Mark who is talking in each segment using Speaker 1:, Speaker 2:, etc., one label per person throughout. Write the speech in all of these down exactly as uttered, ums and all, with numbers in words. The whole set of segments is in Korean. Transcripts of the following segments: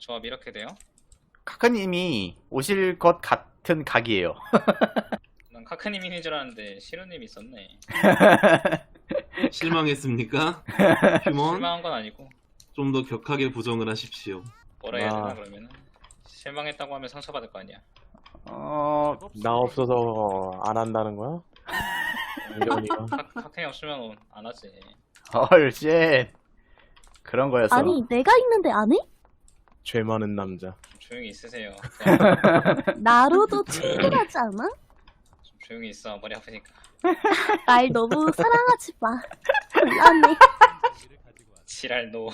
Speaker 1: 조합 이렇게 돼요?
Speaker 2: 카카님이 오실 것 같은 각이에요.
Speaker 1: 난 카크님인 줄 알았는데 시루님이 있었네.
Speaker 3: 실망했습니까? 휴먼?
Speaker 1: 실망한 건 아니고
Speaker 3: 좀 더 격하게 부정을 하십시오.
Speaker 1: 뭐라 해야 되나
Speaker 4: 아.
Speaker 1: 그러면은 실망했다고 하면 상처받을 거 아니야.
Speaker 2: 어,
Speaker 4: 나 없어서 안 한다는 거야? 이러니까.
Speaker 1: 카, 카크님 없으면 안 하지.
Speaker 2: 헐, 쉣. 그런 거였어.
Speaker 5: 아니 내가 있는데 안 해?
Speaker 4: 죄 많은 남자.
Speaker 1: 좀 조용히 있으세요.
Speaker 5: 나로도 충분하지 않아?
Speaker 1: 좀 조용히 있어. 머리 아프니까.
Speaker 5: 날 너무 사랑하지 마. 미안해.
Speaker 1: 지랄 노.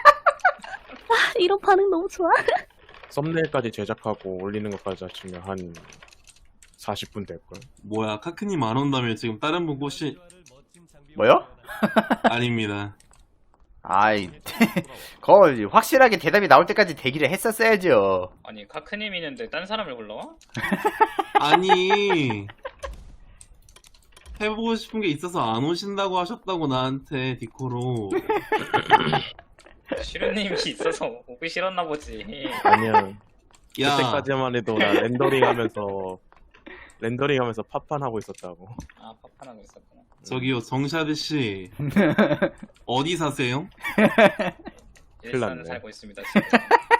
Speaker 5: 이런 반응 너무 좋아.
Speaker 4: 썸네일까지 제작하고 올리는 것까지 합치면 한 사십 분 될걸.
Speaker 3: 뭐야, 카크님 안 온다면 지금 다른 분 꼬시...
Speaker 2: 뭐요?
Speaker 3: 아닙니다.
Speaker 2: 아이, 거의 확실하게 대답이 나올 때까지 대기를 했었어야죠.
Speaker 1: 아니 카크님 있는데 딴 사람을 불러?
Speaker 3: 아니... 해보고 싶은 게 있어서 안 오신다고 하셨다고 나한테 디코로.
Speaker 1: 시루님이 있어서 오기 싫었나 보지.
Speaker 4: 아니야.
Speaker 3: 야,
Speaker 4: 그때까지만 해도 나 렌더링하면서 렌더링하면서 팝판하고 있었다고.
Speaker 1: 아 파판하고 있었구나.
Speaker 3: 저기요, 정샤드 씨. 어디 사세요?
Speaker 1: 일산
Speaker 4: 났네.
Speaker 1: 살고 있습니다 지금.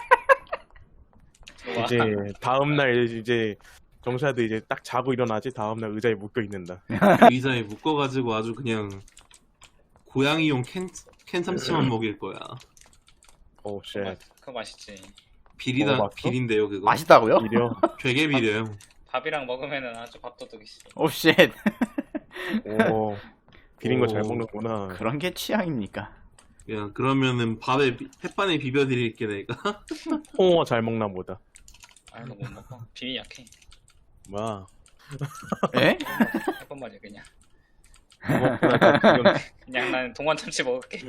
Speaker 1: 들어와.
Speaker 4: 이제 다음 날 이제 정샤드 이제 딱 자고 일어나지 다음 날 의자에 묶여 있는다.
Speaker 3: 의자에 묶어가지고 아주 그냥 고양이용 캔, 캔 참치만 먹일 거야.
Speaker 4: 오 쉣.
Speaker 1: 그거, 그거 맛있지.
Speaker 3: 비리다,
Speaker 4: 먹어봤어?
Speaker 3: 비린데요, 그거?
Speaker 2: 맛있다고요?
Speaker 4: 이려.
Speaker 3: 되게 비려요.
Speaker 1: 밥이랑 먹으면은 아주 밥도둑이지.
Speaker 2: 오, 쉣.
Speaker 4: 오. 비린 거 잘
Speaker 3: 오.
Speaker 4: 먹는구나.
Speaker 2: 그런 게 취향입니까?
Speaker 3: 야, 그러면은 밥에, 비- 햇반에 비벼드릴게, 내가.
Speaker 4: 홍어 잘 먹나 보다.
Speaker 1: 아 이거 못 먹어. 비위 약해.
Speaker 4: 뭐야.
Speaker 2: 에?
Speaker 1: 해본 말이야 그냥.
Speaker 4: 지금
Speaker 1: 그냥 나는 동원 참치 먹을게.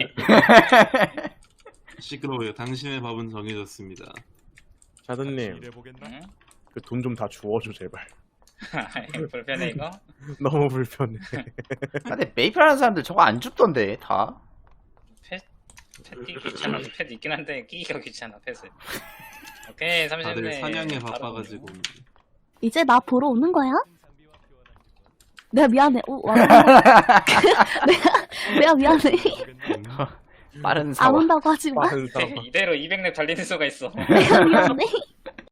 Speaker 3: 시끄러워요. 당신의 밥은 정해졌습니다.
Speaker 4: 샤드님
Speaker 1: 응?
Speaker 4: 그 돈 좀 다 주워줘 제발.
Speaker 1: 불편해 이거?
Speaker 4: 너무 불편해.
Speaker 2: 근데 메이플 하는 사람들 저거 안 줍던데, 다.
Speaker 1: 펫? 펫 끼기 귀찮아. 펫 있긴 한데 끼기가 귀찮아 펫을. 오케이 삼십 대.
Speaker 3: 다들 사냥에 바빠가지고.
Speaker 5: 이제 나 보러 오는 거야? 내가 미안해. 오, 와. 내가 내가 미안해.
Speaker 3: 음.
Speaker 2: 빠른
Speaker 5: 안
Speaker 2: 사와.
Speaker 5: 온다고 하지 마.
Speaker 4: 빠른 사람.
Speaker 1: 이대로 이백 렙 달리는 수가 있어.
Speaker 5: 내가 미안해.